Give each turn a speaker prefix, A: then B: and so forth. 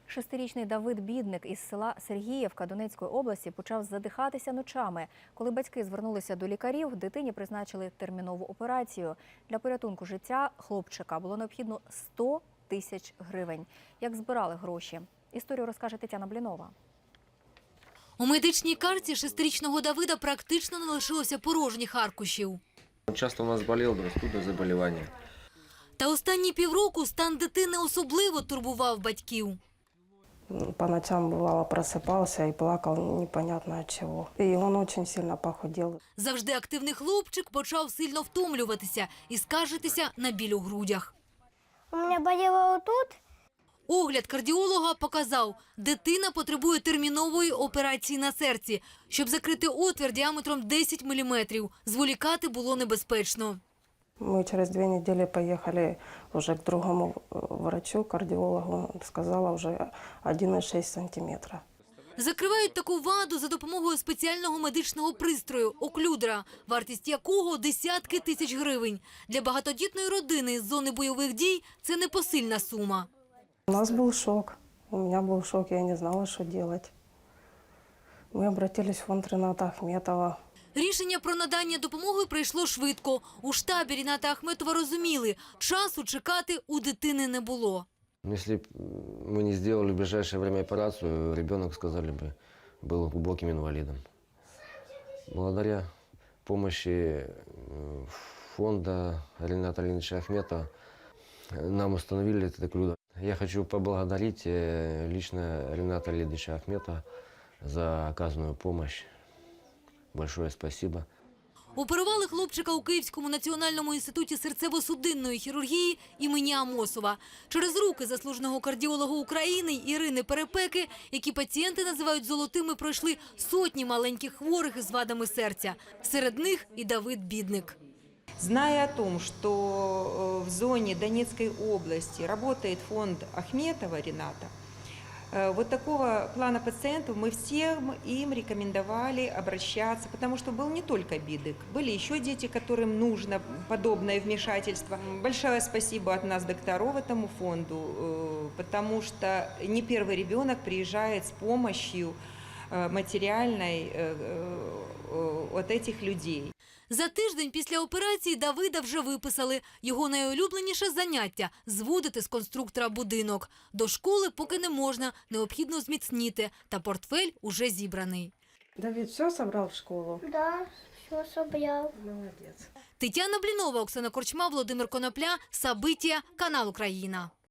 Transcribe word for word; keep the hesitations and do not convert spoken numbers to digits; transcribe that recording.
A: Шестирічний Давид Бідник із села Сергіївка Донецької області почав задихатися ночами. Коли батьки звернулися до лікарів, дитині призначили термінову операцію. Для порятунку життя хлопчика було необхідно сто тисяч гривень. Як збирали гроші? Історію розкаже Тетяна Блінова.
B: У медичній карті шестирічного Давида практично не лишилося порожніх аркушів.
C: Часто у нас болів, простудне заболівання.
B: Та останні півроку стан дитини особливо турбував батьків.
D: По ночам, бывало, просыпался и плакал непонятно от чего. И он очень сильно похудел.
B: Завжди активний хлопчик почав сильно втомлюватися і скаржитися на біль у грудях.
E: У мене боліло отут.
B: Огляд кардіолога показав, дитина потребує термінової операції на серці. Щоб закрити отвір діаметром десять міліметрів, зволікати було небезпечно.
D: Мы через две недели поехали уже к другому врачу, кардиологу. Он сказала уже один и шесть сантиметра.
B: Закривають таку ваду за допомогою спеціального медичного пристрою – оклюдера, вартість якого – десятки тисяч гривень. Для багатодітної родини з зони бойових дій – це непосильна сума.
D: У нас был шок. У меня был шок, я не знала, что делать. Мы обратились в фонд Рената Ахметова.
B: Рішення про надання допомоги прийшло швидко. У штабі Ріната Ахметова розуміли – часу чекати у дитини не було.
C: Если бы мы не сделали в ближайшее время операцию, ребенок, сказали бы, был глубоким инвалидом. Благодаря помощи фонда Рената Ильича Ахметова нам установили этот оклюдер. Я хочу поблагодарить лично Рената Ильича Ахметова за оказанную помощь. Большое спасибо.
B: Оперували хлопчика у Київському національному інституті серцево-судинної хірургії імені Амосова. Через руки заслуженого кардіолога України Ірини Перепеки, які пацієнти називають золотими, пройшли сотні маленьких хворих із вадами серця. Серед них і Давид Бідник.
F: Зная о том, что в зоне Донецкой области работает фонд Ахметова Рената, вот такого плана пациентов мы всем им рекомендовали обращаться, потому что был не только Бідник, были еще дети, которым нужно подобное вмешательство. Большое спасибо от нас, докторов, этому фонду, потому что не первый ребенок приезжает с помощью материальной от этих людей.
B: За тиждень після операції Давида вже виписали. Його найулюбленіше заняття – зводити з конструктора будинок. До школи поки не можна, необхідно зміцніти. Та портфель уже зібраний.
D: Давид все собрал в школу?
E: Да, все собрав.
D: Молодец.
B: Тетяна Блінова, Оксана Корчма, Володимир Конопля, Сабиття, канал Україна.